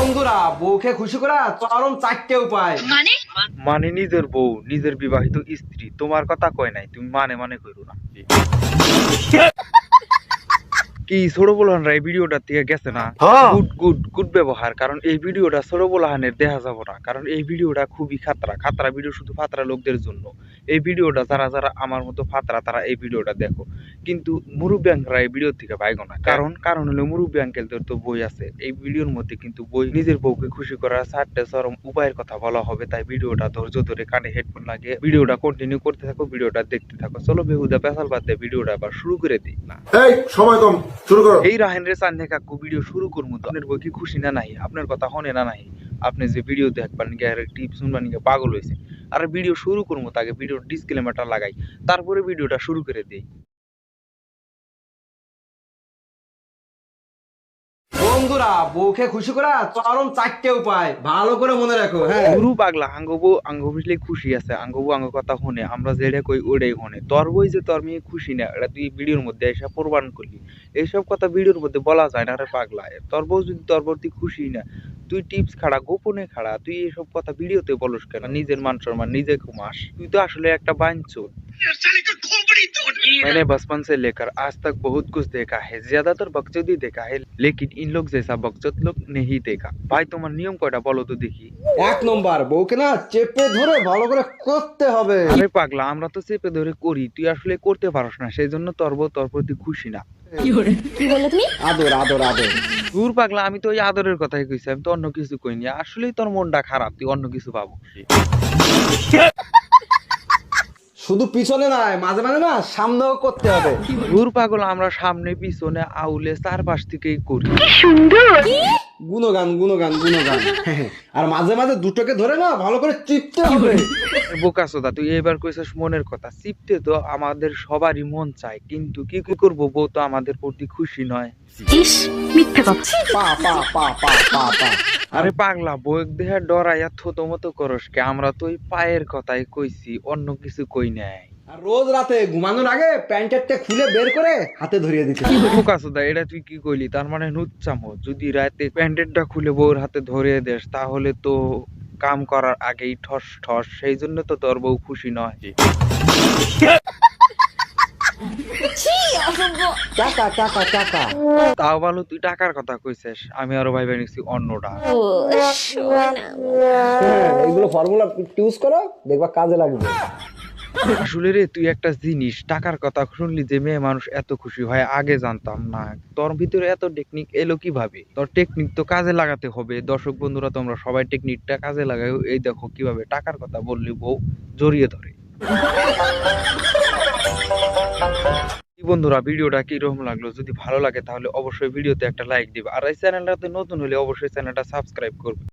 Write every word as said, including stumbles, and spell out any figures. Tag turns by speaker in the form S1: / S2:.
S1: বন্ধুরা বউকে খুশি করা চরম চারটে উপায়।
S2: মানে
S3: মানে নিজের বউ নিজের বিবাহিত স্ত্রী তোমার কথা কয় নাই, তুমি মানে মানে কইরো না। কি ছোট বলহানরা এই ভিডিওটা থেকে গেছে না? গুড গুড গুড ব্যবহার, কারণ এই ভিডিওটা ছোট বলহানের দেখা যাব না, কারণ এই ভিডিওটা খুবই খাতরা খাতরা ভিডিও, শুধু ফাতরা লোকদের জন্য। এই ভিডিওটা যারা যারা আমার মতো ফাতরা তারা এই ভিডিওটা দেখো, কিন্তু মুরব্বী আঙ্কেলরা এই ভিডিও থেকে পাইগো না। কারণ কারণ হলো মুরব্বী আঙ্কেলদের তো বই আছে, এই ভিডিওর মধ্যে কিন্তু বই নিজের বউকে খুশি করার চারটে চরম উপায়ের কথা বলা হবে। তাই ভিডিওটা ধৈর্য ধরে কানে হেডফোন লাগিয়ে ভিডিওটা কন্টিনিউ করতে থাকো, ভিডিওটা দেখতে থাকো। চলো বেহুদা পেশাল বাদ দিয়ে ভিডিওটা আবার শুরু করে দিই না।
S4: এই সময় কম, শুরু করো।
S3: এই রাহেন রে চান্দে কাকু ভিডিও শুরু করবো তো আপনার বই কি খুশি না নাই, আপনার কথা হনে না নাই, আপনি যে ভিডিও দেখবার নিকে আর টিপস শুনবার নিকে পাগল হয়েছে। আর ভিডিও শুরু করবো তাকে ভিডিওর ডিসক্লেমারটা লাগাই, তারপরে ভিডিওটা শুরু করে দিই।
S1: বন্ধুরা বউকে খুশি করা চরম চারটে উপায়, ভালো করে মনে রাখো। হ্যাঁ,
S3: গুরু পাগলা আঙ্গবু আঙ্গ বুঝলে খুশি আছে, আঙ্গবু আঙ্গ কথা হনে, আমরা যেটা কই ওটাই হনে। তোর বই যে তোর মেয়ে খুশি না এটা তুই ভিডিওর মধ্যে এসে প্রমাণ করলি, এইসব কথা ভিডিওর মধ্যে বলা যায় না রে পাগলা। তোর বউ যদি তোর প্রতি খুশি না, তুই টিপস খাড়া গোপনে খাড়া, তুই এসব কথা ভিডিওতে বলস কেন? নিজের মান সম্মান নিজে ঘুমাস, তুই তো আসলে একটা বাঞ্চোত। मैंने बचपन से लेकर आज तक बहुत कुछ देखा है, ज्यादातर बकचोदी देखा है, लेकिन इन लोग जैसा बकचोद लोग नहीं देखा। भाई তোমার নিয়ম কয়টা বলো তো দেখি।
S1: এক নম্বর বউকে না চেপে ধরে ভালো করে করতে হবে।
S3: আরে পাগলা আমরা তো চেপে ধরে করি, তুই আসলে করতে পারস না, সেই জন্য তোর বউ তোর প্রতি খুশি না।
S2: কি বললে তুমি?
S1: আদর আদর আদর।
S3: দূর পাগলা, আমি তো ওই আদরের কথাই কইছি, আমি তো অন্য কিছু কইনি। আসলেই তোর মনটা খারাপ, তুই অন্য কিছু পাবো।
S1: শুধু পিছনে নয়, মাঝে মাঝে না সামনেও করতে হবে।
S3: দূর পাগল, আমরা সামনে পিছনে আউলে চারপাশ থেকেই করি।
S1: গুণগান গুণগান গুণগান। আর মাঝে মাঝে দুটোকে ধরে না ভালো করে চিপতে হবে।
S3: বোকাচোদা, তুই এবার কইছিস মনের কথা, চিপতে তো আমাদের সবারই মন চায়, কিন্তু কি করব, বউ তো আমাদের প্রতি খুশি নয়।
S2: ইস, মিথ্যে কথা।
S1: পা পা পা পা পা পা।
S3: আরে পাগলা, বউ দেহে ডরাইয়া থতো মতো করস কে? আমরা তো ওই পায়ের কথাই কইছি, অন্য কিছু কই নাই।
S1: আর রোজ রাতে ঘুমানোর আগে প্যান্টেরটা খুলে বের করে হাতে ধরিয়ে দিতে।
S3: বোকাচোদা, এটা তুই কি কইলি? তার মানে নুচ্চামো, যদি রাতে প্যান্টেরটা খুলে বউর হাতে ধরিয়ে দেস তাহলে তো কাম করার আগেই ঠস ঠস, সেই জন্য তো তোর বউ খুশি নয়।
S1: টাকা টাকা টাকা।
S3: তাও ভালো তুই টাকার কথা কইছিস, আমি আরো ভাই নিছি অন্যটা।
S1: হ্যাঁ, এইগুলো ফর্মুলা ইউজ করো, দেখবা কাজে লাগবে।
S3: আসলে রে, তুই একটা জিনিস, টাকার কথা শুনলি যে মেয়ে মানুষ এত খুশি হয় আগে জানতাম না। তোর ভিতরে এত টেকনিক এলো কিভাবে? তোর টেকনিক তো কাজে লাগাতে হবে। দর্শক বন্ধুরা তোমরা সবাই টেকনিকটা কাজে লাগাই, এই দেখো কিভাবে টাকার কথা বললি বউ জড়িয়ে ধরে। বন্ধুরা ভিডিওটা কিরকম লাগলো? যদি ভালো লাগে তাহলে অবশ্যই ভিডিওতে একটা লাইক দিবে, আর এই চ্যানেলটাতে নতুন হলে অবশ্যই চ্যানেলটা সাবস্ক্রাইব করবে।